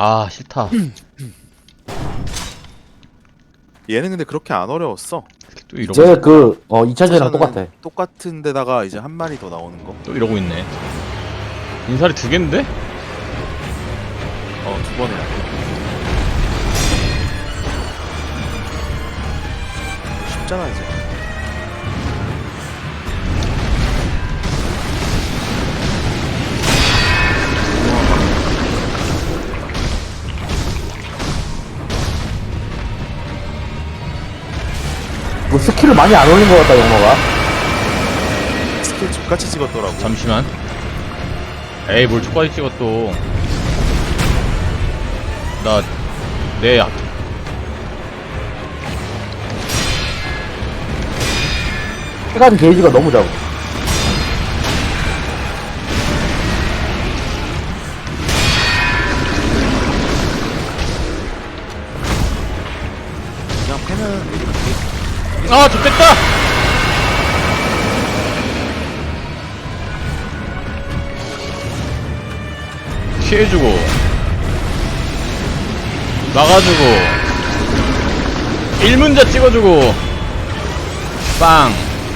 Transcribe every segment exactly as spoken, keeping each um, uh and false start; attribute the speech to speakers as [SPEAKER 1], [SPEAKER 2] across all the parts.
[SPEAKER 1] 아 싫다.
[SPEAKER 2] 얘는 근데 그렇게 안 어려웠어.
[SPEAKER 1] 또 이러고
[SPEAKER 3] 쟤 그, 어, 이 차전이랑 똑같아.
[SPEAKER 2] 똑같은 데다가 이제 한 마리 더 나오는 거.
[SPEAKER 1] 또 이러고 있네. 인사리 두 개인데?
[SPEAKER 2] 어, 두 번에. 쉽잖아 이제.
[SPEAKER 3] 뭐 스킬을 많이 안 올린 것 같다, 영어가.
[SPEAKER 2] 스킬 족같이 찍었더라고.
[SPEAKER 1] 잠시만. 에이 뭘 초까지 찍어 또. 나내 약.
[SPEAKER 3] 시간 게이지가 너무 작아.
[SPEAKER 2] 그냥 패는 이렇게.
[SPEAKER 1] 아 좋겠다. 피해주고 막아주고 일문자 찍어주고 빵.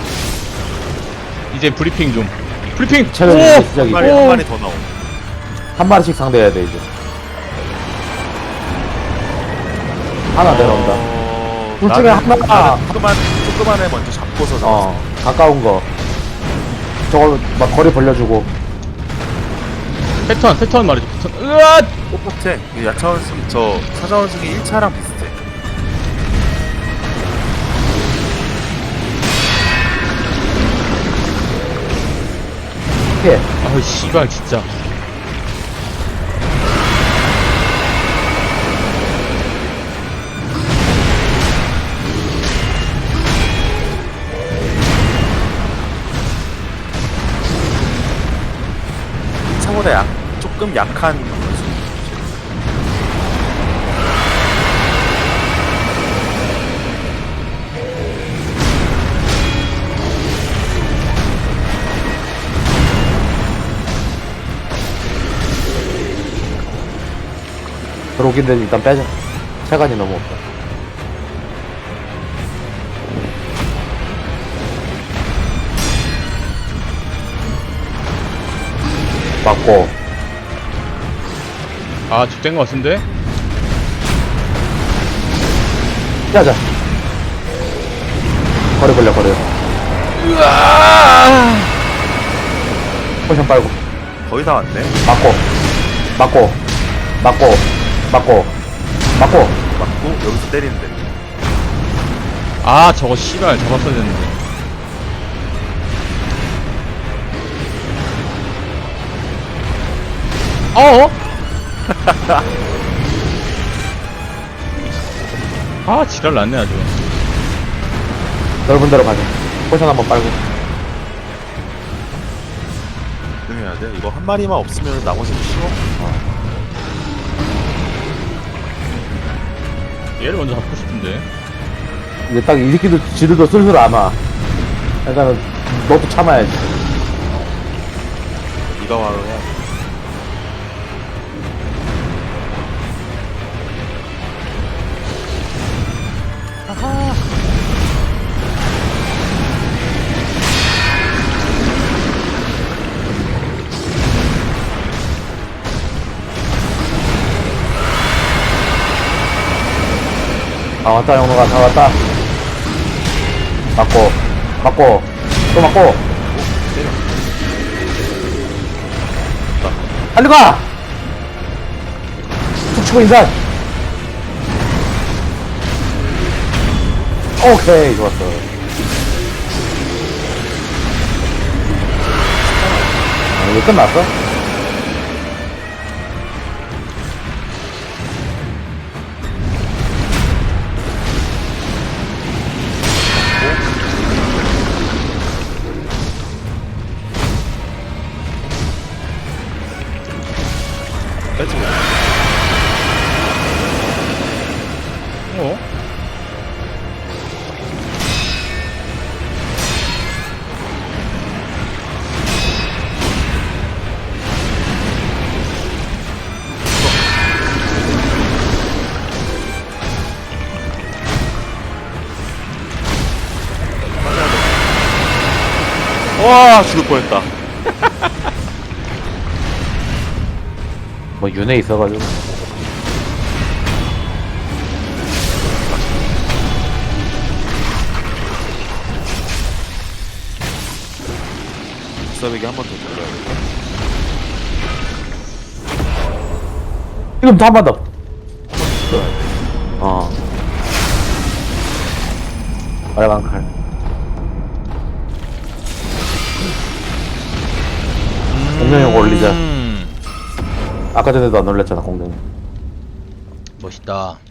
[SPEAKER 1] 이제 브리핑 좀. 브리핑.
[SPEAKER 3] 체력이
[SPEAKER 1] 오!
[SPEAKER 3] 이제
[SPEAKER 2] 한
[SPEAKER 3] 시작이고.
[SPEAKER 2] 마리
[SPEAKER 1] 오!
[SPEAKER 2] 한 마리 더 나오.
[SPEAKER 3] 한 마리씩 상대해야 돼, 이제. 하나 내려온다.
[SPEAKER 2] 어...
[SPEAKER 3] 둘 중에
[SPEAKER 2] 나는-
[SPEAKER 3] 하나가-
[SPEAKER 2] 나는 조그만 조그만 애 먼저 잡고서 잡았어.
[SPEAKER 3] 어, 가까운 거. 저걸 막 거리 벌려주고.
[SPEAKER 1] 패턴 패턴 말이죠. 패턴. 으아!
[SPEAKER 2] 똑같아. 이 야차원숭이 저 사자원숭이 일 차랑 비슷해.
[SPEAKER 3] 피해.
[SPEAKER 1] 아우 씨발 진짜.
[SPEAKER 2] 차보다 약 조금 약한 원숭이.
[SPEAKER 3] 들어오긴 데 일단 빼자. 체간이 너무 없다. 맞고.
[SPEAKER 1] 아 죽된 거 같은데?
[SPEAKER 3] 피하자. 거리 벌려, 거리.
[SPEAKER 1] 으아!
[SPEAKER 3] 포션 빨고.
[SPEAKER 2] 거의 다 왔네.
[SPEAKER 3] 맞고. 맞고. 맞고. 맞고. 맞고.
[SPEAKER 2] 맞고 여기서 때리는데.
[SPEAKER 1] 아 저거 씨발 잡았어야 됐는데. 어어? 아 지랄 났네 아주.
[SPEAKER 3] 넓은 데로 가자. 포션 한번 빨고.
[SPEAKER 2] 조심해야 돼. 이거 한 마리만 없으면 나머지는 쉬워.
[SPEAKER 1] 얘를 먼저 잡고 싶은데.
[SPEAKER 3] 이제 딱 이 새끼도 지들도 슬슬 안 와. 그러니까 너도 참아야지.
[SPEAKER 2] 네가 바로 해.
[SPEAKER 3] 다 왔다, 영로가 다 왔다. 맞고, 맞고, 또 맞고. 빨리 가! 툭 치고 인산! 오케이, 좋았어. 아, 이거 끝났어?
[SPEAKER 2] 빼지.
[SPEAKER 1] 어?
[SPEAKER 2] 와 죽을 뻔했다.
[SPEAKER 3] 뭐 윤회 있어가지고.
[SPEAKER 2] 비싸배기 한 번 더 돌려야겠다.
[SPEAKER 3] 지금 한 번 더. 어. 빨간 칼. 공룡형 올리자.
[SPEAKER 1] 음,
[SPEAKER 3] 아까 전에도 안 올렸잖아, 공룡.
[SPEAKER 1] 멋있다.